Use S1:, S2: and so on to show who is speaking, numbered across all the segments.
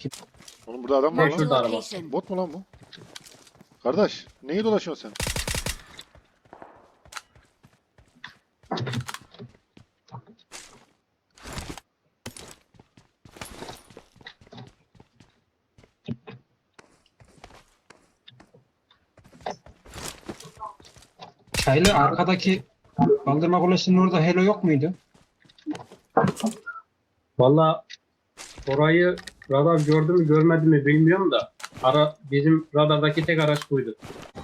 S1: Oğlum burada adam var
S2: Marked a
S1: lan.
S3: Şurada araba.
S2: location.
S1: Bot mu lan bu? Kardeş neyi dolaşıyorsun sen?
S3: Çaylı arkadaki kaldırma kulesinin orada Helo yok muydu?
S4: Valla orayı radar gördü mü görmedi mi bilmiyorum da bizim radardaki tek araç buydu.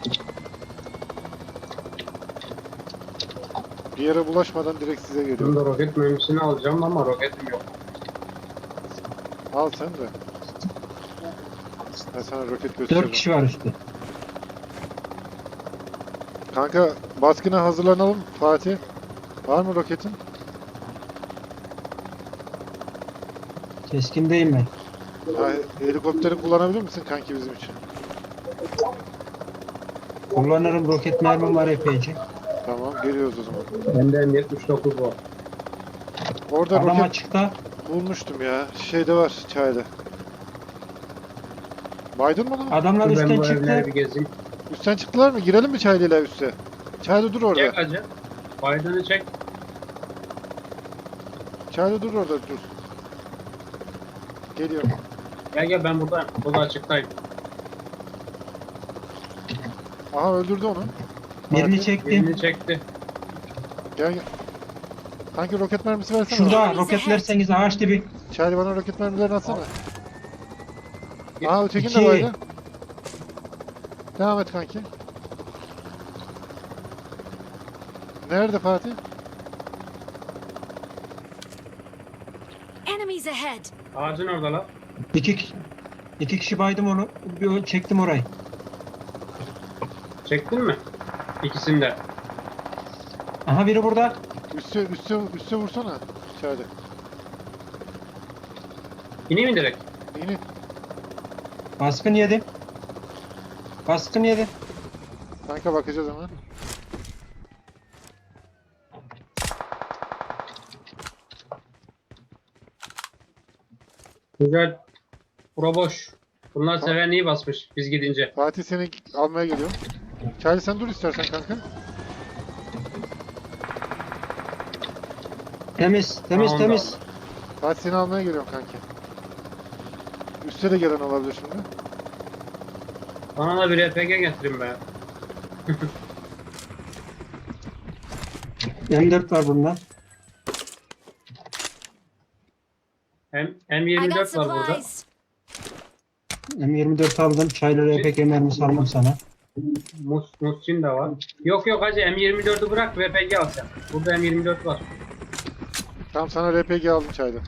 S1: Bir yere bulaşmadan direkt size
S4: Ben
S1: geliyorum.
S4: de roket mermisini alacağım ama roketim yok.
S1: Al sen de. Ben sana roket
S3: 4
S1: göstereceğim.
S3: kişi var üstte.
S1: Kanka baskına hazırlanalım Fatih. Var mı roketin?
S3: Keskindeyim ben.
S1: Ha, helikopteri kullanabilir misin kanki bizim için?
S3: Kullanırım, roket mermim var epeyce.
S1: Tamam geliyoruz o zaman.
S4: Bende M79 var.
S1: Orada
S3: Adam
S1: roket
S3: açıkta.
S1: bulmuştum ya. Şeyde var çayda. Baydın mı lan?
S3: Adamlar
S4: Ben
S3: üstten
S4: bu evleri
S3: çıktı.
S4: bir gezeyim.
S1: Üstten çıktılar mı? Girelim mi çaylıyla üste? Çayda dur orada.
S4: Çek acı. Biden'ı çek.
S1: Çayda dur orada dur. Geliyorum.
S4: Gel ben buradayım. Burada açıktayım.
S1: Aha öldürdü onu.
S3: Birini
S1: Fatih,
S3: çektim.
S4: Birini çekti.
S1: Gel gel. Kanki roket mermisi versene.
S3: Şurada roketlerseniz ağaç dibi.
S1: Çaylı bana roket mermilerini atsana.
S4: Gel.
S1: Aha ötekin
S3: İki.
S1: de baydı. Devam et kanki. Nerede Fatih?
S2: Enemies ahead.
S4: Ağacın orada lan.
S3: İki kişi baydım onu. Bir çektim orayı.
S4: Çektin mi? İkisini de.
S3: Aha biri burada.
S1: Üste vursana. Çaylı.
S4: İneyim mi direkt?
S1: İnin.
S3: Baskın yedi. Baskın yedi.
S1: Kanka bakacağız hemen.
S4: Güzel. Bura boş. Bunlar
S1: Ha.
S4: seven iyi basmış biz gidince.
S1: Fatih seni almaya geliyor. Çaylı sen dur istersen kanka.
S3: Temiz
S4: Tamam,
S3: temiz.
S1: Fatih seni almaya geliyorum kanki. Üste de gelen olabilir şimdi.
S4: Bana da bir RPG getirin be.
S3: M4 var bunda.
S4: M
S2: I got
S4: M24 var burada.
S2: supplies.
S3: M24 aldım. Çayları epek mermisi aldım sana.
S4: Musçin de var. Yok hacı M24'ü bırak RPG al sen. Burada M24 var.
S1: Tamam sana RPG aldım çayda.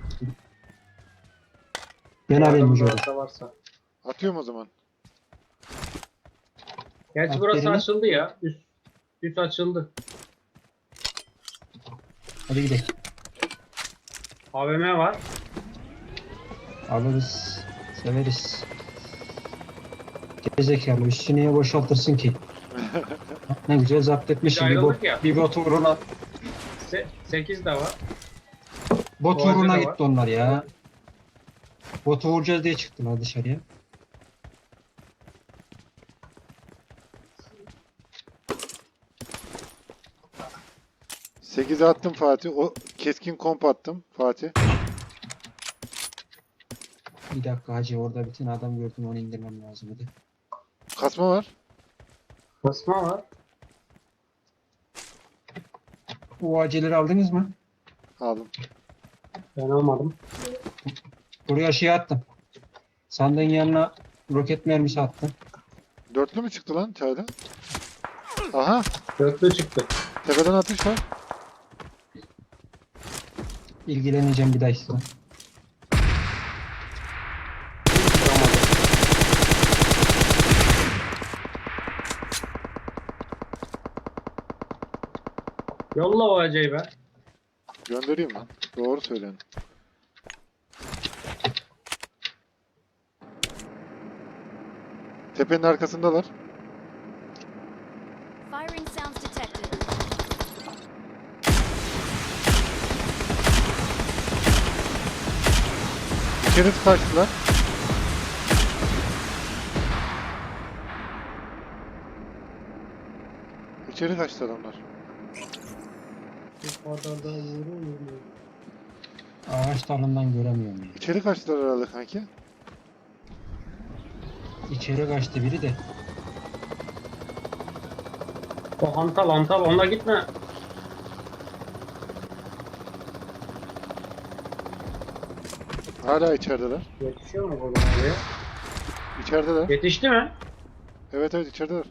S3: Ben alayım bu
S4: Adamın
S3: jobu.
S4: varsa varsa.
S1: Atıyorum o zaman.
S4: Gerçi
S3: At
S4: burası
S3: birini.
S4: açıldı ya. Üst açıldı.
S3: Hadi gidelim.
S4: AVM var.
S3: Alırız. Severiz. Gerizekalı üstü niye boşaltırsın ki? Ne güzel zapt etmişsin.
S4: Biz
S3: Bir,
S4: ayrıldık ya.
S3: bir bot uğruna,
S4: 8 de var.
S3: bot
S4: Boğaz'da
S3: uğruna
S4: da
S3: gitti
S4: var.
S3: onlar ya. Botu vuracağız diye çıktılar dışarıya.
S1: Sekize attım Fatih. O keskin komp attım Fatih.
S3: Bir dakika hacı, orada bir tane adam gördüm, onu indirmem lazım hadi.
S1: Kasma var.
S4: Basma var.
S3: O aceleri aldınız mı?
S1: Aldım.
S4: Ben almadım.
S3: Buraya şey attım. Sandığın yanına roket mermisi attım.
S1: Dörtlü mü çıktı lan çayda? Aha.
S4: Dörtlü çıktı.
S1: Tepeden atış var.
S3: İlgileneceğim bir dahakine.
S4: Yolla o acayı be.
S1: Göndereyim lan. Doğru söyleyin. Tepenin arkasındalar.
S2: Firing sounds detected.
S1: İçeri kaçtılar. İçeri kaçtı adamlar.
S4: Bu kadar da vurur.
S3: Ağaç dalından göremiyorum ya.
S1: İçeri kaçtılar herhalde kanki.
S3: İçeri kaçtı biri de.
S4: O hantal hantal onunla gitme.
S1: Hala içerideler.
S4: Yetişiyor mu buradan oraya?
S1: İçerideler.
S4: Yetişti mi?
S1: Evet evet içerideler.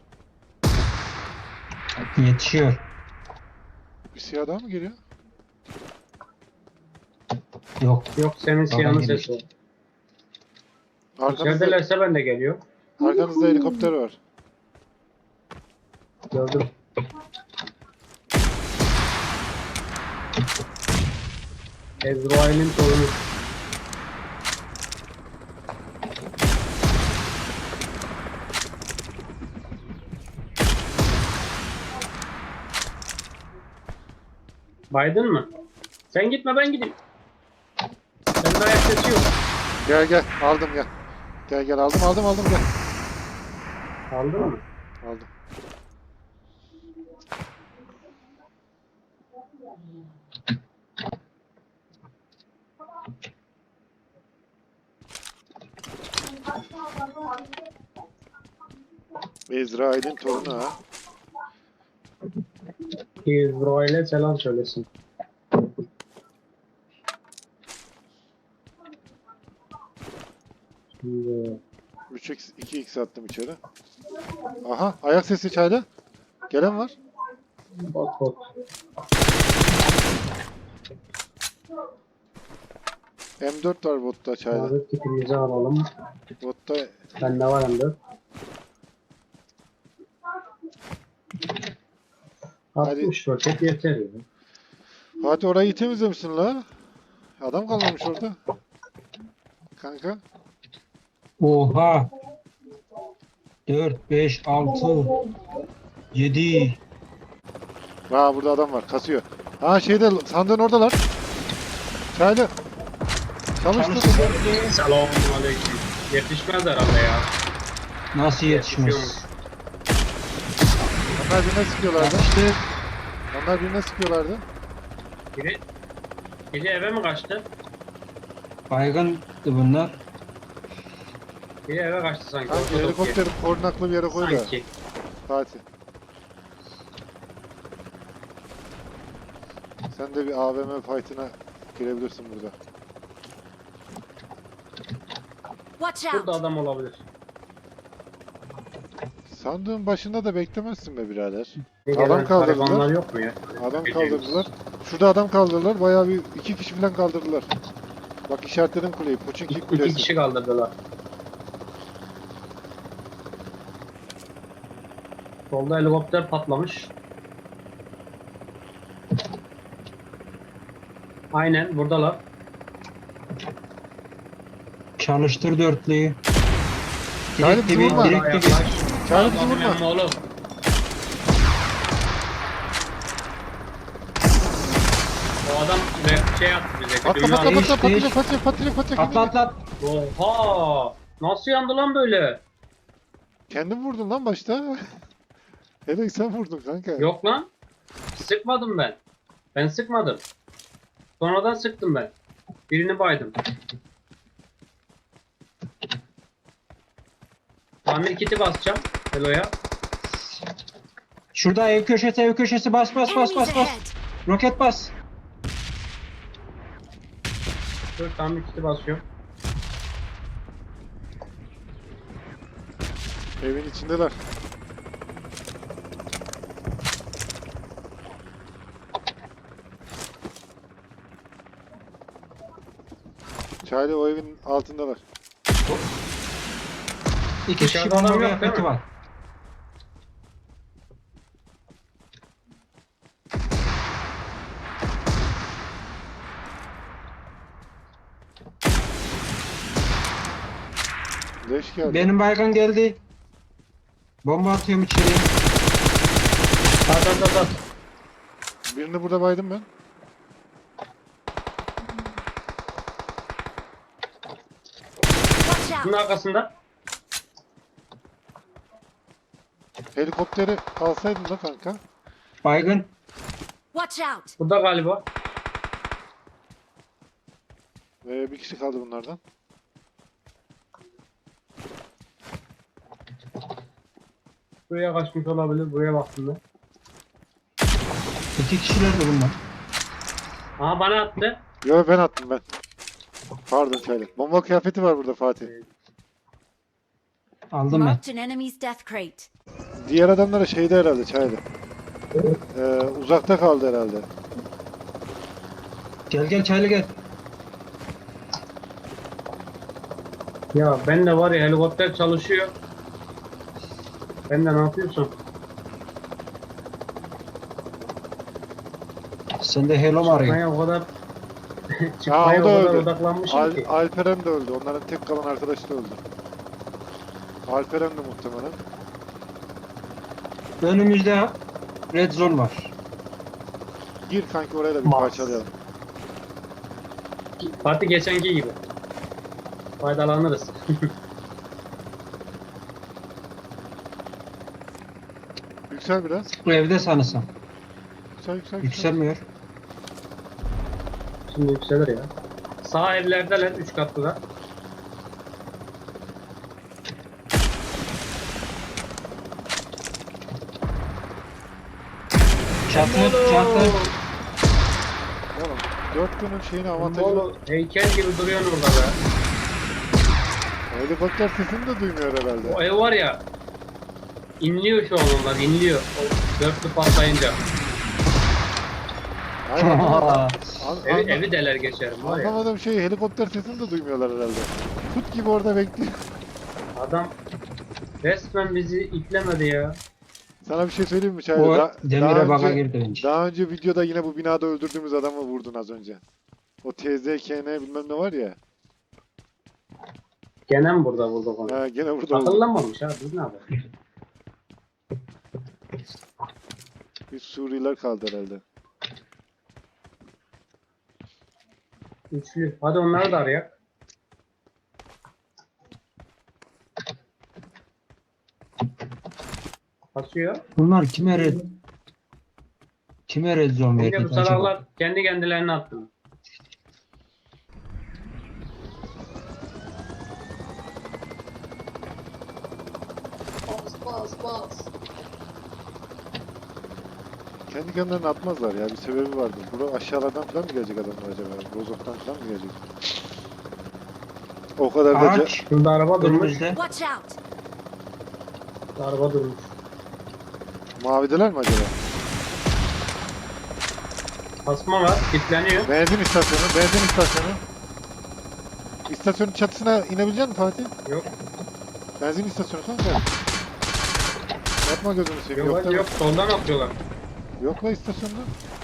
S3: Yetişiyor.
S1: Bir siyah daha mı geliyor?
S3: Yok.
S4: Yok senin siyahın
S3: geliyor.
S4: sesi.
S1: Arkanızda,
S4: İçeridelerse ben de geliyor.
S1: arkanızda helikopter var.
S4: Gördüm. Ezrail'in torunu. Baydın mı? Sen gitme ben gideyim. Senin ayak sesi yok.
S1: Gel gel aldım gel. Gel gel aldım gel.
S4: Aldın mı?
S1: Aldım. İsrail'in torunu ha.
S4: İsrail'e selam söylesin. Şimdi
S1: 3x 2x attım içeri. Aha ayak sesi çayda. Gelen var.
S4: bot.
S1: M4 var botta çayda.
S4: Abi tipimizi alalım.
S1: Botta
S4: Bende var hem de.
S1: Hadi.
S4: 60 roket yeter ya.
S1: Fatih orayı iyi temizlemişsin la. Adam kalmamış orada. Kanka.
S3: Oha. 4, 5, 6, 7.
S1: Aa burada adam var kasıyor. Ha şeyde sandığın oradalar. Çaylı. Çalıştı.
S4: Selamun aleyküm. Yetişmez herhalde ya.
S3: Nasıl yetişmez?
S1: Onlar birine sıkıyorlardı.
S3: Yapıştı.
S1: Onlar birine sıkıyorlardı.
S4: Biri eve mi kaçtı?
S3: Baygındı bunlar.
S4: Biri eve kaçtı sanki.
S1: Kanki
S4: Ortada
S1: helikopteri korunaklı bir yere koy da.
S4: Sanki.
S1: Fatih. Sen de bir AVM fight'ına girebilirsin burada.
S2: Watch out!
S4: Burada adam olabilir.
S1: Sandığın başında da beklemezsin be birader.
S4: Bir
S1: Adam
S4: gelen
S1: kaldırdılar.
S4: garibanlar yok mu ya?
S1: Adam
S4: Bildiğimiz.
S1: kaldırdılar. Şurada adam kaldırdılar. Bayağı bir 2 kişi falan kaldırdılar. Bak işaretledim kuleyi. Puçinki
S4: İki
S1: kulesi.
S4: kişi kaldırdılar. Solda helikopter patlamış. Aynen buradalar.
S3: Çalıştır dörtlüyü.
S1: Çaylı
S3: Direkt
S1: bizi
S3: dibi,
S1: vurma.
S3: direkt dibi.
S1: Çağrı bizi
S4: Allah'ım
S1: vurma.
S4: emmi oğlum. O adam şey attı bize.
S1: Atla
S4: düğme
S1: patla
S4: attı.
S1: patla
S3: Değiş,
S1: patlayacak patlayacak patlayacak patlayacak.
S3: Atla atla.
S4: Oha! Nasıl yandı lan böyle?
S1: Kendin vurdun lan başta. Hele sen vurdun kanka.
S4: Yok lan. Sıkmadım ben. Ben sıkmadım. Sonradan sıktım ben. Birini baydım. Tamir kiti basacağım. Helo'ya.
S3: Şurada ev köşesi bas bas bas
S2: Enemies
S3: bas bas.
S2: ahead!
S3: Roket bas.
S4: Dur tamir kiti basıyorum.
S1: Evin içindeler. Çaylı o evin altındalar.
S3: İki kişi
S4: Dışarıda adam
S3: bomba
S4: yok, değil
S3: yakıtı
S4: mi?
S3: var.
S1: Leş geldi.
S3: Benim baygın geldi. Bomba atıyorum içeriye.
S4: At.
S1: Birini burada baydım ben.
S2: Watch
S4: Bunun
S2: out!
S4: arkasında.
S1: Helikopteri alsaydın da kanka.
S3: Baygın.
S2: Watch out!
S4: Burada galiba.
S1: Bir kişi kaldı bunlardan.
S4: Buraya kaçmış olabilir. Buraya baktım ben.
S3: 2 kişiler de bunlar.
S4: Aha bana attı.
S1: Yo ben attım ben. Pardon Çaylı. Bomba kıyafeti var burada Fatih.
S3: Aldım ben.
S2: Marked an enemy's death crate.
S1: Diğer adamlara şeyde herhalde Çaylı. Uzakta kaldı herhalde.
S3: Gel gel Çaylı gel.
S4: Ya ben de var ya helikopter çalışıyor. Ben de ne yapıyorsun?
S3: Sen de hello mu arıyorsun?
S4: Çıkmaya o kadar
S1: Ha,
S4: çıkmaya
S1: o da
S4: o kadar
S1: öldü.
S4: odaklanmışım ki.
S1: Alperen de öldü. Onların tek kalan arkadaşı da öldü. Alperen de muhtemelen.
S3: Önümüzde red zone var.
S1: Gir kanki oraya da bir
S4: Mas.
S1: parçalayalım.
S4: Fatih geçenki gibi. Faydalanırız.
S1: Yüksel biraz.
S3: Bu evde sanırsam.
S1: Yüksel.
S3: Yükselmiyor.
S4: Şimdi yükselir ya. Sağ evlerdeler 3 katlıda.
S3: Çatı.
S1: Oğlum 4 günün şeyini avantajını...
S4: Molo heykel gibi duruyorsun orada be.
S1: Helikopter sesini de duymuyor herhalde.
S4: O ev var ya. İnliyor şu an onlar inliyor. O dörtlü patlayınca.
S1: Hayır, anlamadım.
S4: Evi deler geçerim var ya.
S1: Anlamadığım şey helikopter sesini de duymuyorlar herhalde. Tut gibi orada bekliyor.
S4: Adam resmen bizi itlemedi ya.
S1: Sana bir şey söyleyeyim mi Çaylı?
S3: O demire baga girdi bence.
S1: Daha önce videoda yine bu binada öldürdüğümüz adamı vurdun az önce. O TZKN bilmem ne var ya.
S4: Gene mi burada vurdu bana?
S1: Ha, gene burada oldu.
S4: Akıllanmamış ha biz ne yapalım?
S1: Bir Suriyeliler kaldı herhalde.
S4: Üçlü. Hadi onları da arayak. Basıyor.
S3: Bunlar kime red zone
S4: Yine bu
S3: verdi acaba?
S4: sararlar kendi kendilerine attı.
S1: Kendi kendilerini atmazlar ya. Bir sebebi vardır. Bura aşağılardan falan mı gelecek adamlar acaba? Rozok'tan falan mı gelecek? O kadar da...
S3: Ağaç.
S4: Şurada araba durmuş.
S3: Önümüzde.
S2: Watch out!
S4: Araba durmuş.
S1: Mavideler mi acaba?
S4: Asma var. Kilitleniyor.
S1: Benzin istasyonu. İstasyonun çatısına inebilecek misin Fatih?
S4: Yok.
S1: Benzin istasyonu kanka. Yapma gözünü seveyim.
S4: Yok,
S1: Yok,
S4: yok. Soldan atıyorlar.
S1: Yok la istasyonda.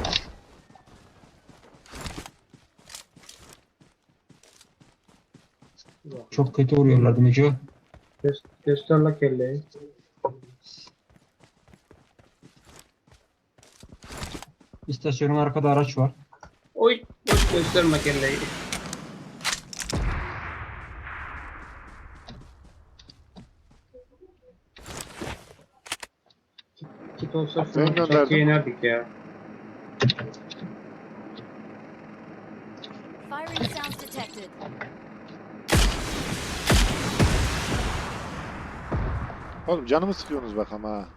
S3: Çok kötü vuruyorlardı Neco.
S4: Göster la kelleyi.
S3: İstasyonun arkada araç var.
S4: Oy. Oy gösterme kelleyi. Kit olsa
S1: Ben
S4: şunu
S1: gönderdim.
S4: çatıya inerdik ya.
S2: Firing sounds detected.
S1: Oğlum canımı sıkıyorsunuz bak ama ha.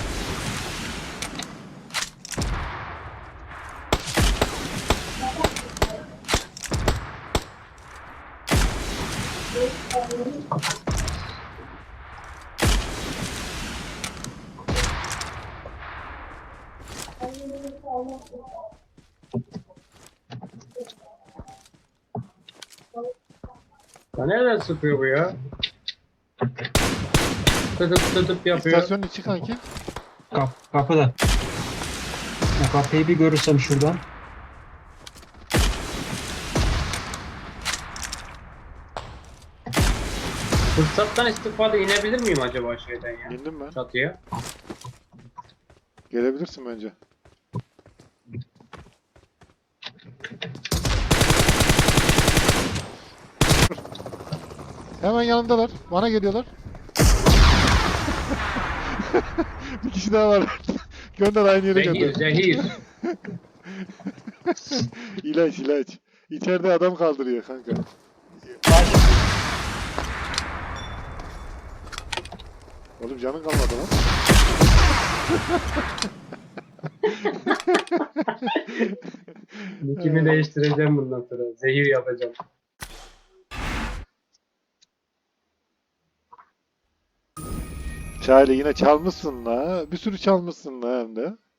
S4: Ya nereden sıkıyor bu ya? Tıtıp yapıyor.
S1: İstasyonun içi kanki.
S3: Kapıda. O kapıyı bir görürsem şuradan.
S4: Fırsattan istifade inebilir miyim acaba şeyden ya?
S1: İndim ben.
S4: Çatıya.
S1: Gelebilirsin bence. Hemen yanımdalar. Bana geliyorlar. Bir kişi daha var. Gönder aynı yere
S4: Zehir,
S1: gönder.
S4: zehir.
S1: İlaç ilaç. İçeride adam kaldırıyor kanka. Oğlum canın kalmadı lan.
S4: Nickimi değiştireceğim bundan sonra. Zehir yapacağım.
S1: Şahane yine çalmışsın la. Bir sürü çalmışsın la hem de.